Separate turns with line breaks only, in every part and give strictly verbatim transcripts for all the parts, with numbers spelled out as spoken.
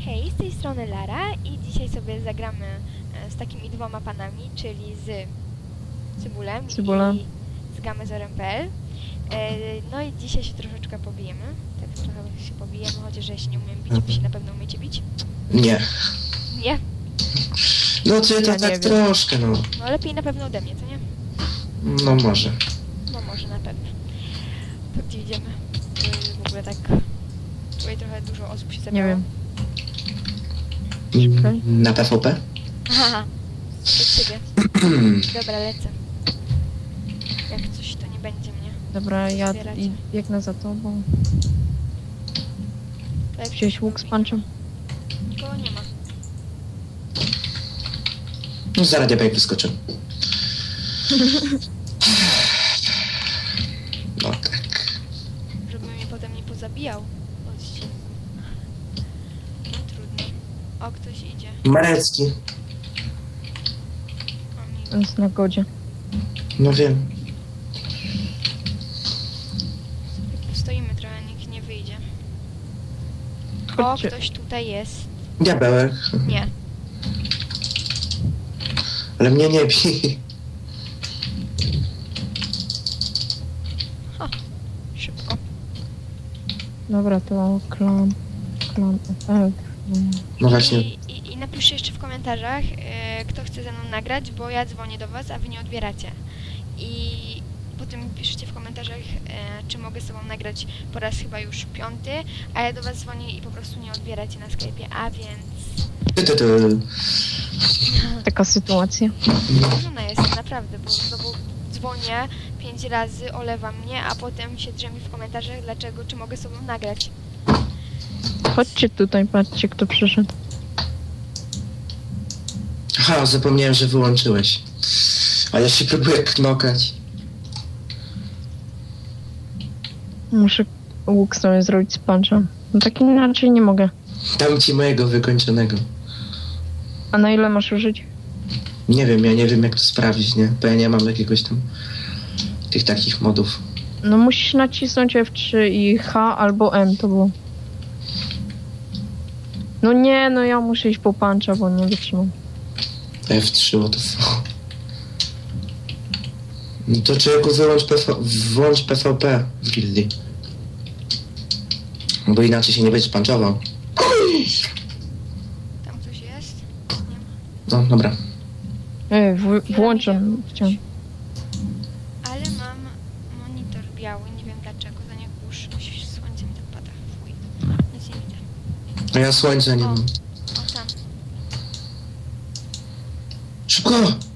Hej, z tej strony Lara i dzisiaj sobie zagramy e, z takimi dwoma panami, czyli z Cybulem
Cybulem.
i z Gamezorem kropka pe el. E, no i dzisiaj się troszeczkę pobijemy. Tak trochę się pobijemy, chociaż ja się nie umiem bić, wy się na pewno umiecie bić.
Nie.
Nie?
No ty to
Ja nie
tak
wiem.
troszkę, no.
No lepiej na pewno ode mnie, co nie?
No może.
No może na pewno. To gdzie idziemy? Yy, w ogóle tak... Tutaj trochę dużo osób się
Nie
zebrało.
wiem.
Mm, Na P V P?
Haha, przed siebie. Dobra, lecę. Jak coś, to nie będzie mnie.
Dobra, ja
Zbieracie.
i biegnę za tobą.
Tutaj
Wziąłeś łuk z punczem?
Nikogo nie ma.
No zaraz diabeł wyskoczy. No tak.
Żeby mnie potem nie pozabijał. Chodźcie. No trudno. O, ktoś idzie.
Marecki.
O, miło.
Jest na godzie.
No wiem.
Stoimy trochę, nikt nie wyjdzie. O,
Chodźcie.
ktoś tutaj jest.
Diabełek.
Nie.
Ale mnie nie bij.
Szybko.
Dobra, to klan. Klan efekt.
No właśnie.
I, i, I napiszcie jeszcze w komentarzach, e, kto chce ze mną nagrać, bo ja dzwonię do was, a wy nie odbieracie. I potem piszcie w komentarzach, e, czy mogę z tobą nagrać po raz chyba już piąty, a ja do was dzwonię i po prostu nie odbieracie na Skype'ie, a więc...
Ty, ty, ty.
Taka sytuacja.
Złożona jest naprawdę, bo znowu dzwonię pięć razy, olewa mnie, a potem się drzemi w komentarzach, dlaczego, czy mogę z tobą nagrać.
Chodźcie tutaj, patrzcie kto przyszedł.
Aha, zapomniałem, że wyłączyłeś. A ja się próbuję knokać.
Muszę łuk sobie zrobić z punczem. No tak inaczej nie mogę.
Dam ci mojego wykończonego.
A na ile masz użyć?
Nie wiem, ja nie wiem jak to sprawdzić, nie? Bo ja nie mam jakiegoś tam... tych takich modów.
No musisz nacisnąć F trzy i H albo M to było. No nie, no ja muszę iść po puncha, bo nie wytrzymam.
F trzy, what the fuck. No to człowieku wyłącz P V... włącz P V P w gildii. Bo inaczej się nie będziesz punchował.
Tam ktoś jest? Nie ma.
No, dobra.
Ej, w, włączam. Chciałem.
Ale mam monitor biały, nie wiem dlaczego, za nie kurz, słońce mi tak pada, fuj, nic nie widzę.
A ja słońca nie
O.
mam.
O, tam.
Szybko!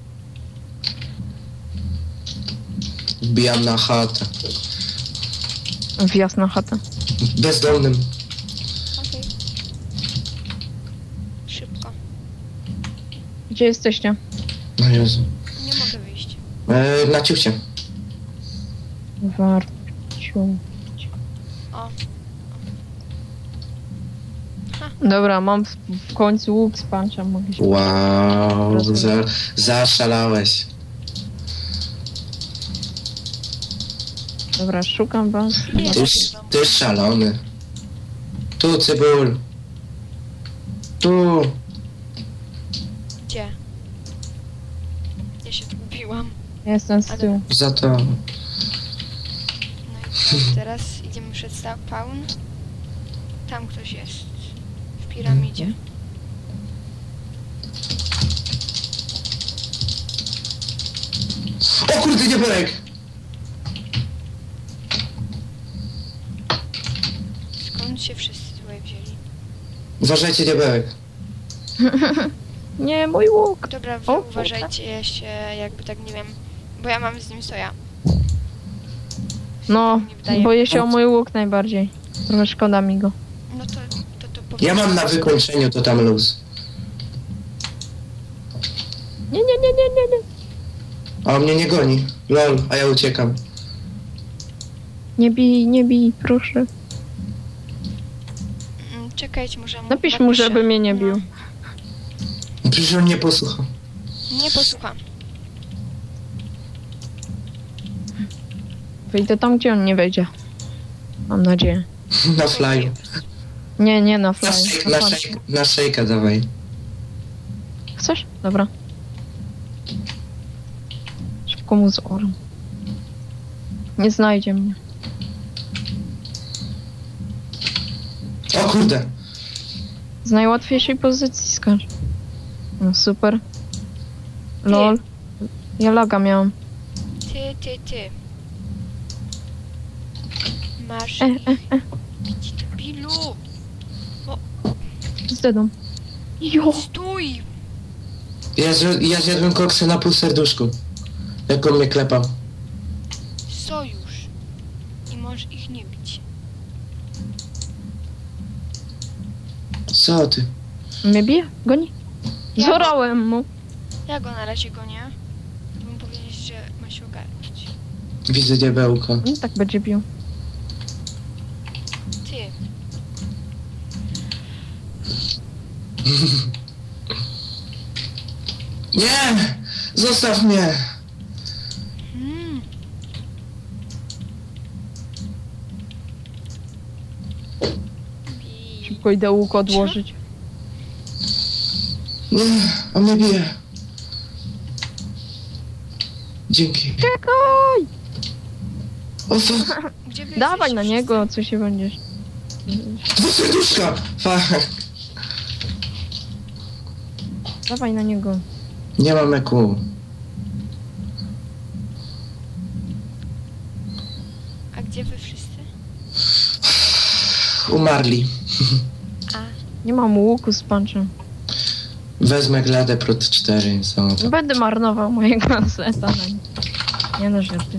Wbijam na chatę.
Wjazd na chatę.
Bezdomnym.
Okej. Szybko.
Gdzie jesteście?
No Jezu.
Nie mogę wyjść.
E, na ciuchcie.
Warciu.
O,
Dobra, mam w, w końcu łuk z puncha, mogę się...
Wow, za, zaszalałeś.
Dobra, szukam was.
Nie.
Ty, ty szalony. Tu, cybul. Tu.
gdzie? Ja się zgubiłam.
Jestem z tyłu.
Za to.
No i co, teraz idziemy przed spawn. Tam ktoś jest. W piramidzie.
O kurde, diabełek!
Skąd się wszyscy tutaj wzięli?
Uważajcie, diabełek.
Nie, mój łuk!
Dobra, wy
O,
uważajcie się, jakby tak nie wiem, bo ja mam z nim soja.
No,
Nie wydaje.
boję się o mój łuk najbardziej. Trochę szkoda mi go.
No to, to, to
Ja
powiedz-
mam na wykończeniu to tam luz.
Nie, nie, nie, nie, nie, nie.
A on mnie nie goni. Lol, a ja uciekam.
Nie bij, nie bij, proszę.
Mm, Czekajcie, może mu
Napisz mu,
napiszę.
żeby mnie nie
No,
bił.
Przecież on nie posłucha.
nie posłucham.
Wyjdę tam, gdzie on nie wejdzie. Mam nadzieję.
Na flyu.
Nie, nie na fly.
Na szejka,
Na
na
fly.
szejka, na szejka dawaj.
Chcesz? Dobra. Szybko mu z orem. Nie znajdzie mnie.
O kurde.
Z najłatwiejszej pozycji skacz. No super. Lol. Ja laga miałam.
Ty, ty, ty. Masz
E,
ich.
e, e.
Idź do pilu.
Z dedą. Jo!
Stój!
Ja, zje- ja zjadłem koksy na pół serduszku. Jak on mnie klepał.
Sojusz. I możesz ich nie bić.
Co ty?
Mnie bije? Goni?
Ja-
Zorałem mu.
Ja go na razie gonię. Bym powiedzieć, że ma się ogarnąć.
Widzę diabełko.
I tak będzie bił.
Ty.
Nie! Zostaw mnie!
Hmm. Bij.
Szybko idę łuk odłożyć.
Nie, on mnie bije. Dzięki.
Czekaj!
O fuck.
Gdzie wy
Dawaj
jesteście
na
wszyscy?
niego, co się będziesz.
Dwa serduszka! Fuck.
Dawaj na niego.
Nie mam eku.
A gdzie wy wszyscy?
Umarli.
A.
Nie mam łuku z punczem.
Wezmę Gladę Prot cztery, co to?
Będę marnował mojego seta. Nie no, żarty.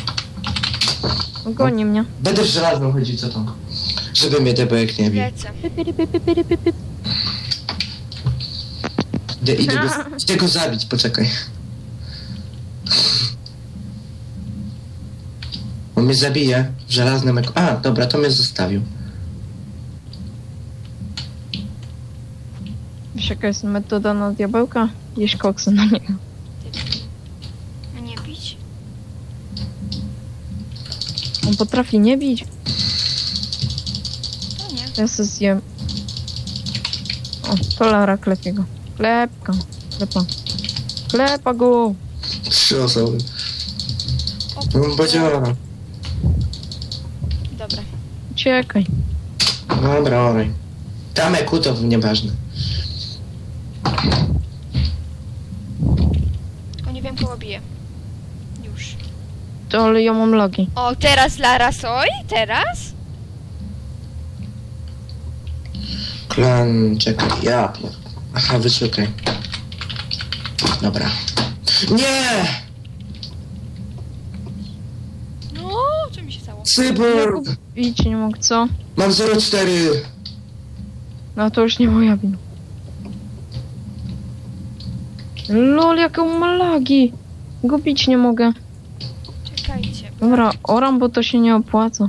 Goni mnie.
Będę w żelazną chodził, co tam? Żeby mnie debek nie bił.
Lecę.
Idę, idę, go, idę go zabić, poczekaj. On mnie zabije w żelaznym eku. A, dobra, to mnie zostawił.
Wiesz jaka jest metoda na diabełka? Jeść koksy na niego.
Ty. Mnie bić?
On potrafi nie bić.
To nie.
Ja se zjem. O, to Lara klepie go. Klepka. Klepa. Klepa go.
Trzy osoby.
O,
No, Bodziora.
Dobra.
Uciekaj.
Dobra, oraj. Tam eku to nieważne.
Tylko nie wiem kogo bije. Już.
To ale ja mam logi.
O, teraz Lara Soj? Teraz?
Klan, czekaj, ja pier... Aha, wyszukaj. Dobra. Nie!
No, co mi się stało?
Cyborg!
Bić nie mógł, co?
Mam zero cztery.
No to już nie moja wina. Lol, jakie on ma lagi. Go bić nie mogę.
Czekajcie. Bo
Dobra, oram, bo to się nie opłaca.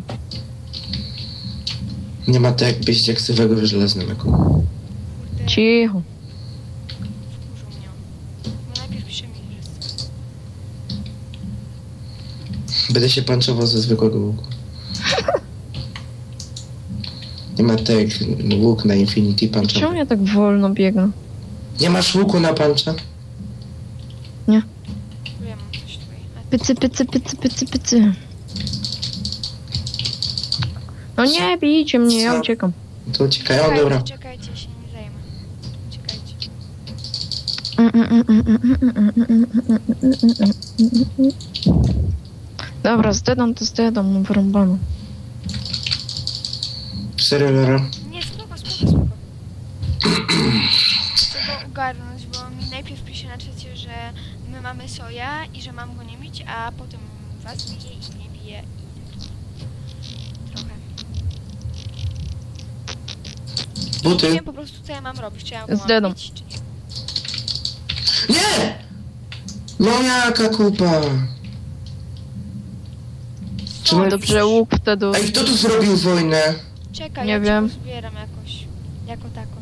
Nie ma tak jakbyś diaksywego w żelaznym eku.
kurde,
Cicho.
wkurzył mnie. Bo najpierw pisze mi, że...
Będę się panczował ze zwykłego łuku. Nie ma tak jak łuk na Infinity
Czemu
punchowy.
ja tak wolno biegnę?
Nie masz łuku na puncha?
Bo ja mam coś tutaj. A ty...
Pycy, pycy, pycy, pycy, pycy. No nie bijcie mnie, ja
Co?
uciekam.
To uciekaj, o dobra.
Czekajcie, czekajcie, ja się nie zajmę. Czekajcie.
Dobra, z dedą to z dedą, no wyrąbano.
Serio, Lara?
Nie, spoko, spoko, spoko. Chcę go ogarnąć, bo mi najpierw pisze na czacie, że my mamy soja i że mam go nie bić, a potem was bije i nie bije i taki trochę. Nie
Buty?
wiem po prostu co ja mam robić, czy ja go
Z
mam
dedą.
bić, czy nie.
Nie! No jaka kupa? Czy my-
Dobrze, łuk wtedy...
Ej, kto tu zrobił wojnę?
Czekaj,
Nie
ja
wiem.
cię zbieram jakoś, jako tako.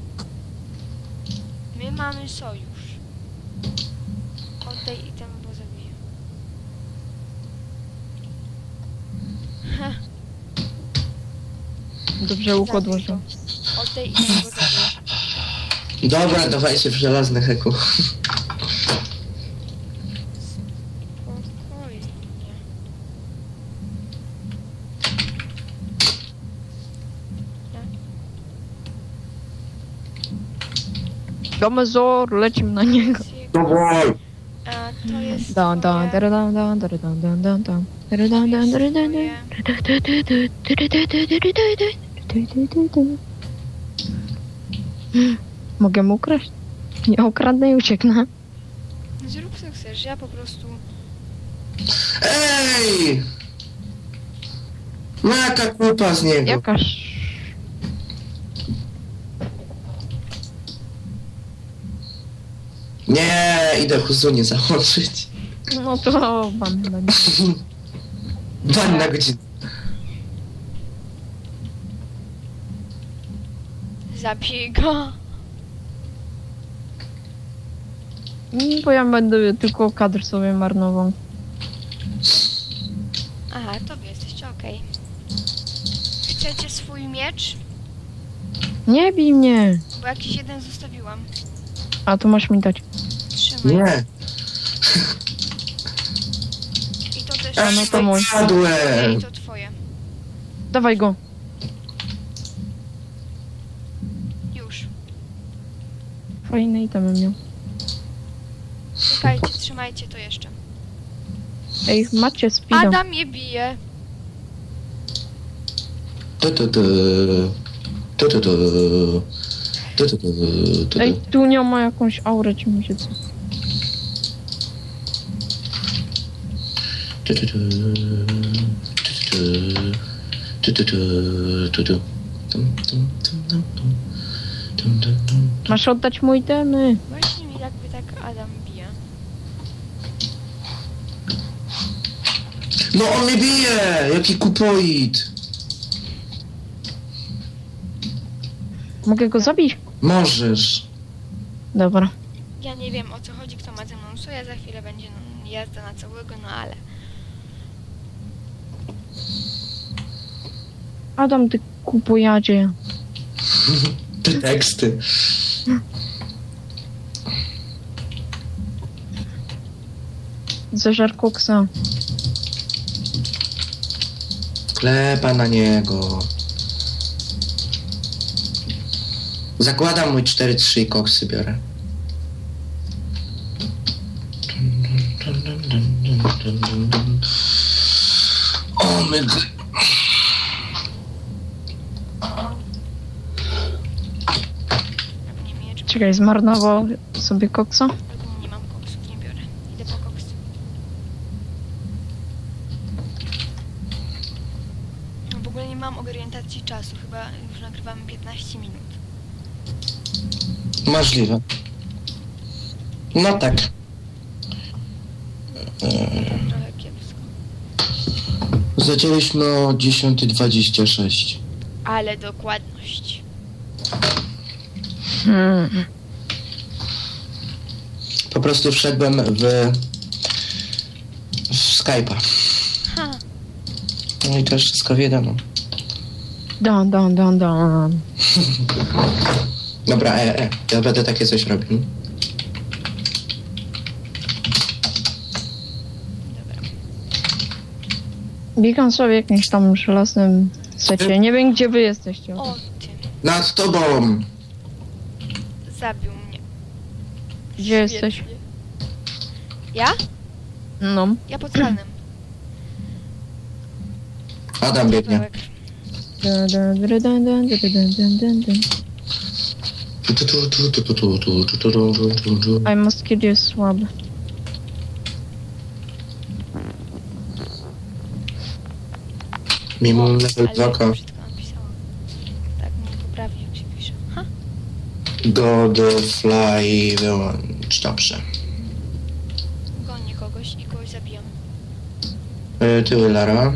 My mamy sojusz. Oddaj item, bo zabiję. Ha,
Dobrze, łuk
zabij
odłożył.
go. tutaj i tam go zabiję.
Dobra, dawajcie w żelazny heku.
Spokojnie.
Domezor, lecimy na niego.
Dawaj!
A to jest
Dan, dan,
twoje...
dan, dan, dan, dan, dan, dan, dan. Dan, dan, dan, dan, dan, dan. Mogę mu ukraść? Ja ukradnę i ucieknę.
Zrób co chcesz, ja po prostu...
Ej! No jaka kupa z niego.
Jakaż...
Nie, idę Huzunię założyć.
No to wam będzie.
Bań na godzinę.
Zabij go.
Mm, Bo ja będę tylko kadr sobie marnował.
Aha, to wy jesteście, okej. Chcecie swój miecz?
Nie bij mnie!
Bo jakiś jeden zostawiłam.
A to masz mi dać.
Trzymaj.
Nie.
I to też
A, no to
trzymaj.
mój.
Padłem.
I to twoje.
Dawaj go.
Już.
Fajne itemy miał.
Czekajcie, trzymajcie to jeszcze.
Ej, macie speeda.
Adam mnie bije.
Tu, tu, tu. Tu, tu, tu. Tu, tu, tu. Tu,
Ej,
tu.
tu nie ma jakąś aurę, czy mi się co.
Tu, tu, tu. Tu, tu, tu. Tu, tu, tu. Tu, tu. Tum, tum, tum, tum, tum. Tum, tum, tum.
Masz oddać mu itemy.
Właśnie mi jakby tak Adam bije.
No on mnie bije! Jaki kupoid!
Mogę go zabić?
Możesz.
Dobra.
Ja nie wiem o co chodzi, kto ma ze mną soja, za chwilę będzie no, jazda na całego, no ale...
Adam, ty kupojadzie.
Te teksty.
Zeżar koksa.
Klepa na niego. Zakładam mój cztery trzy i koksy biorę. O my... g-
Albo nie miecz,
Czekaj, zmarnował sobie koksa?
albo nie mam koksów, nie biorę. Idę po koks. No, w ogóle nie mam orientacji czasu, chyba już nagrywamy piętnaście minut.
Możliwe. No tak.
Trochę kiepsko.
Zaczęliśmy o dziesiąta dwadzieścia sześć.
Ale dokładność.
Hmm.
Po prostu wszedłem w... w Skype'a.
Ha!
No i to już wszystko wiadomo.
Dan, dan, dan, dan.
Dobra, e, e. Ja będę takie coś robił.
Dobra.
Biegam sobie w jakimś tam żelaznym secie. Nie wiem, gdzie wy jesteście.
O ty,
Nad tobą!
zabił mnie.
Gdzie jesteś?
Świetnie. Ja?
No.
Ja pod ranem.
Adam biegnie.
Pawełek.
Dun, dun, dun, dun, dun, dun, dun, dun, dun.
Tu, tu, tu, tu, tu, tu, tu, tu, tu, tu, tu, tu, tu.
I must kill jest słaby.
Mimo
O,
level
ale
dwa
jak
K.
brzydko napisałam. Tak mnie poprawi, jak się pisze. Ha!
God fly wyłącz. Dobrze.
Gonię kogoś i kogoś zabijam.
E, Tyły Lara.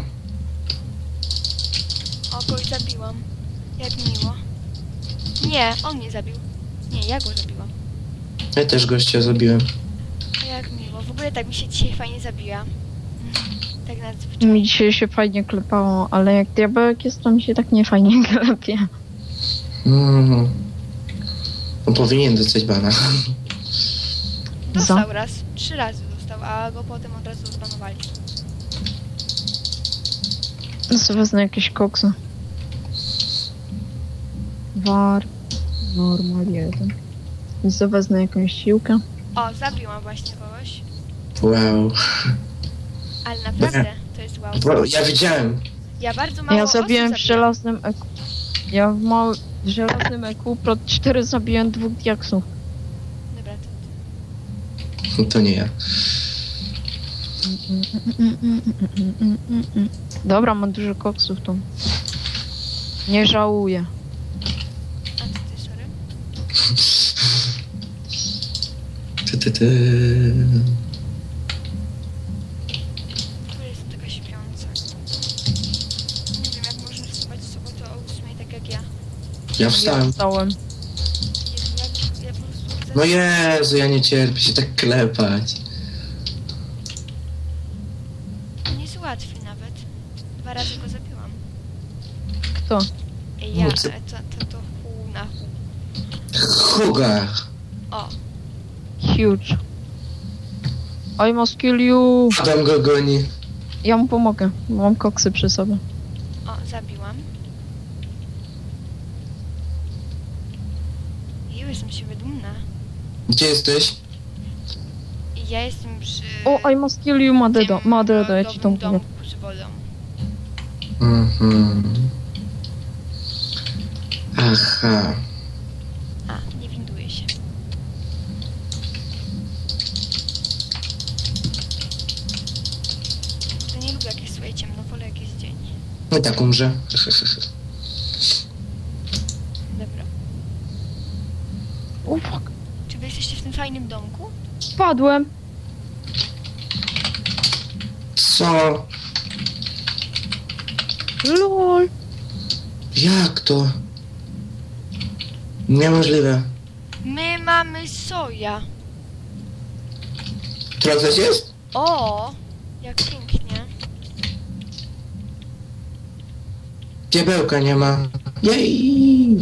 O, kogoś zabiłam. Jak miło. Nie, on mnie zabił. Nie, ja go zabiłam.
Ja też gościa zabiłem.
A jak miło. W ogóle tak mi się dzisiaj fajnie zabija. Tak nadzwyczajnie.
Mi dzisiaj się fajnie klepało, ale jak diabełek jest, to mi się tak nie fajnie klepie.
Mm. On powinien dostać bana.
Dostał raz, trzy razy dostał, a go potem od razu zbanowali.
No sobie wezmę jakieś koksy. War. Normal jeden. I sobie wezmę jakąś siłkę.
O, zabiłam właśnie kogoś.
Wow.
Ale naprawdę, to jest wow.
Bo ja widziałem.
Ja bardzo mało
Ja zabiłem w
osób
żelaznym E Q. Ja w mały, w żelaznym E Q pro cztery zabiłem dwóch diaksów.
Dobra, to...
To nie ja.
Dobra, mam dużo koksów tu. Nie żałuję.
A co ty, sorry?
Ty, ty, ty.
Tu jest taka śpiąca. Nie wiem, jak można wstawać z sobotę o ósmej, tak jak ja.
Ja wstałem.
Wstałem.
Jezu, jak, ja po prostu...
No Jezu, ja nie cierpię się tak klepać.
Nie jest łatwy nawet. Dwa razy go zabiłam.
Kto?
Ej, ja,
No co?
ale to, to, to hu na hu.
Huga.
O,
Huge. I must kill you.
Adam go goni.
Ja mu pomogę. Mam koksy przy sobie.
o, zabiłam. Jeju, jestem z siebie dumna.
Gdzie jesteś?
I ja jestem przy...
O, I must kill you, Madedo.
tym
Madedo, ja ci to
lodowym
mówię.
domku z wodą.
Mhm. Aha.
A, nie winduję się. To nie lubię jak jest słuchaj ciemno, wolę jak jest dzień.
No i tak umrze.
Dobra.
O, fuck.
Czy wy jesteście w tym fajnym domku?
Spadłem.
Co?
Lol.
Jak to? Niemożliwe.
My mamy soja.
Która coś jest?
O, jak pięknie.
Diabełka nie ma. Jej!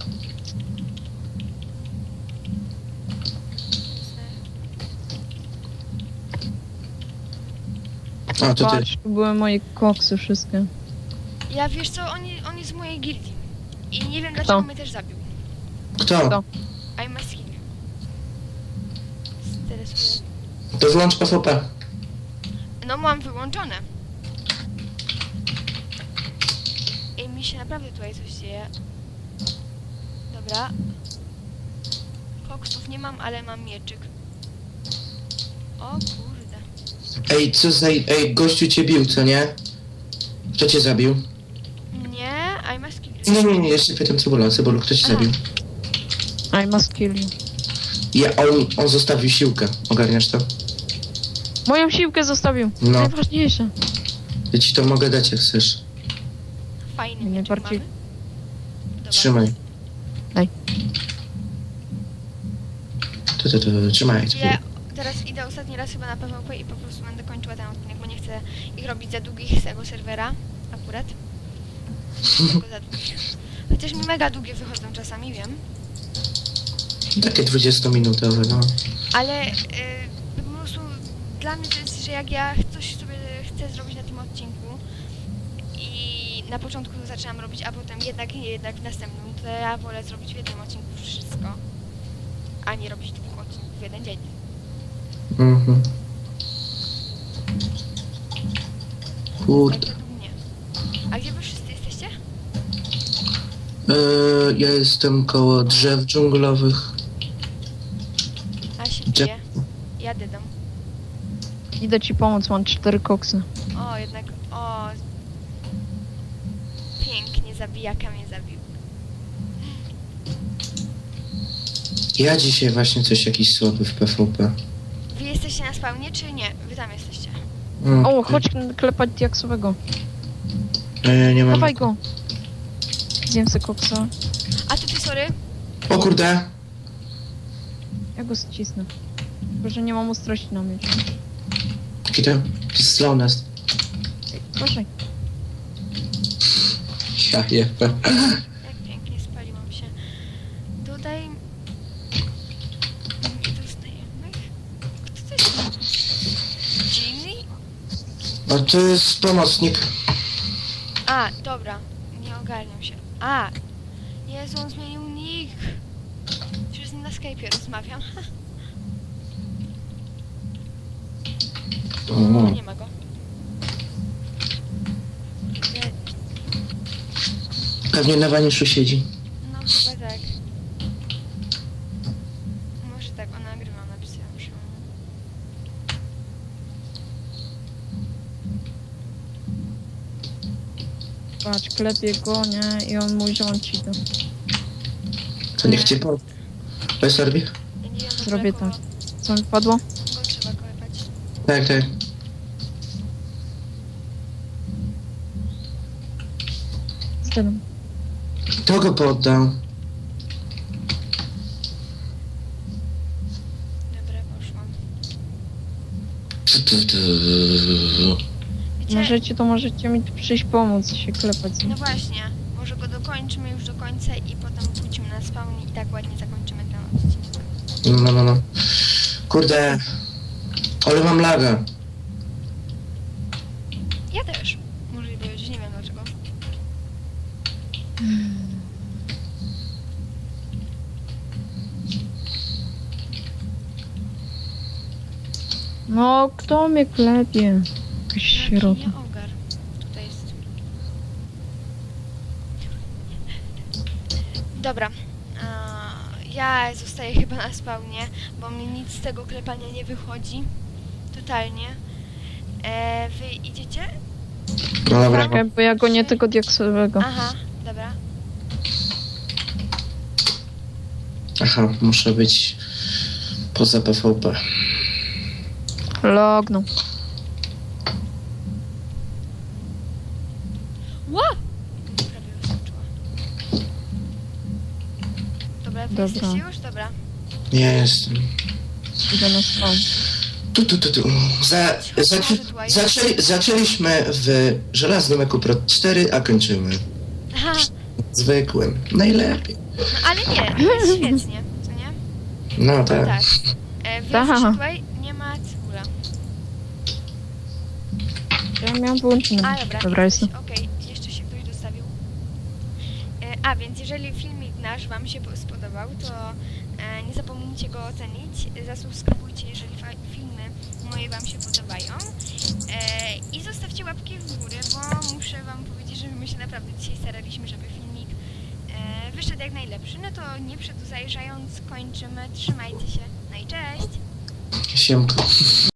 A, to ty.
Patrz, tu były moje koksy wszystkie.
Ja wiesz co, on, je- on jest z mojej gildii. I nie wiem dlaczego
Kto?
mnie też zabił.
Kto?
Kto?
I must kill you. Stresuję.
To włącz P V P.
No mam wyłączone. I mi się naprawdę tutaj coś dzieje. Dobra. Koksów nie mam, ale mam mieczyk. O kurde.
Ej, co za... Ej, gościu cię bił, co nie? Kto cię zabił?
Nie, I must kill you.
Nie, nie, nie, jeszcze pytam Cebula. Cebulu, kto cię
Aha.
zabił?
I must kill you.
Ja, on, on zostawił siłkę. Ogarniasz to?
Moją siłkę zostawił.
No.
Najważniejsze.
Ja ci to mogę dać, jak chcesz.
Fajny
Nie
mieczyk
bardziej-
mamy. Dobra.
Trzymaj.
Daj.
To, to, to, trzymaj.
Ja teraz idę ostatni raz chyba na P V P i po prostu będę kończyła ten odcinek, bo nie chcę ich robić za długich z tego serwera. Akurat. Tylko za długich. Chociaż mi mega długie wychodzą czasami, wiem.
Takie dwudziestominutowe, no.
Ale y, po prostu dla mnie to jest, że jak ja coś sobie chcę zrobić na tym odcinku i na początku to zaczynam robić, a potem jednak nie, jednak w następnym, to ja wolę zrobić w jednym odcinku wszystko, a nie robić dwóch odcinków w jeden dzień.
Mhm.
Tak
Kurde.
według mnie. A gdzie wy wszyscy jesteście?
Eee, ja jestem koło drzew dżunglowych.
A się
Gdzie-
bije. Jadę dom.
Idę ci pomóc, mam cztery koksy.
O, jednak, o. Pięknie, zabijaka mnie zabił.
Ja dzisiaj właśnie coś jakiś słaby w P V P.
Wy jesteście na spawnie, czy nie? Wy tam jesteście.
Mm,
O, chodź klepać diaksowego.
Eee, nie mam.
Dawaj go. Zjem se koksa.
A to ty, sorry?
O kurde.
Ja go ścisnę. Tylko, że nie mam ostrości na miecz.
Jaki to? Jaki slow nest.
Proszę.
Ja jebę.
Jak pięknie spaliłam się.
A to jest pomocnik.
A, dobra. Nie ogarniam się. A! Jezu, on zmienił nick. Przecież z nim na Skype'ie rozmawiam.
O,
Nie ma go. Nie,
pewnie na waniszu siedzi.
no chyba tak. Może tak, on nagrywa, napisałam się.
Patrz, klepie go, nie? I on mówi, że on ci to.
To niech cię po... Weź Orbi?
Ja nie wiem, w ogóle
Zrobię
kogo,
to. Co mi padło?
kogo trzeba klepać.
Tak, tak.
Zgadam.
Kto go poddał?
Dobra, poszłam.
Tu, tu, tu.
Wiecie,
Możecie, to możecie mi tu przyjść pomóc się klepać. z nim.
no właśnie, może go dokończymy już do końca i potem pójdziemy na spawn i tak ładnie zakończymy ten odcinek.
No, no, no, no. Kurde. Ale mam laga.
Ja też. Może być, nie wiem dlaczego.
No, kto mnie klepie? Jakaś
Jaki
sierota.
nie ogar. Tutaj jest. Dobra. A, ja zostaję chyba na spawnie, bo mi nic z tego klepania nie wychodzi. Totalnie. E, wy idziecie?
No dobra.
Czekaj, bo ja go nie tego diaksowego.
Aha, dobra.
Aha, muszę być poza P V P.
Lognął.
Ła! Prawie wyskoczyła. Dobra, wy
Dobra.
jesteście już? Dobra.
Nie jestem.
Idę na spawn.
Tu, tu, tu, tu. Za, zaczę, zaczęli, zaczęliśmy w żelaznym Eku Pro cztery, a kończymy
Aha,
zwykłym. Najlepiej.
no ale nie, to jest świetnie, co nie?
No tak.
Tak. E, wy
Tak.
jesteście tutaj, nie ma cebula.
Ja miałam wyłączone.
A, dobra,
Dobra,
jesteś,
jestem.
okej, jeszcze się ktoś dostawił. E, a, więc jeżeli filmik nasz wam się po- spodobał, to e, nie zapomnijcie go ocenić, zasubskrybujcie, jeżeli fa- filmy moje wam się podobają e, i zostawcie łapki w górę, bo muszę wam powiedzieć, że my się naprawdę dzisiaj staraliśmy, żeby filmik e, wyszedł jak najlepszy. No to nie przedłużając, kończymy, trzymajcie się, no i cześć!
Siemko.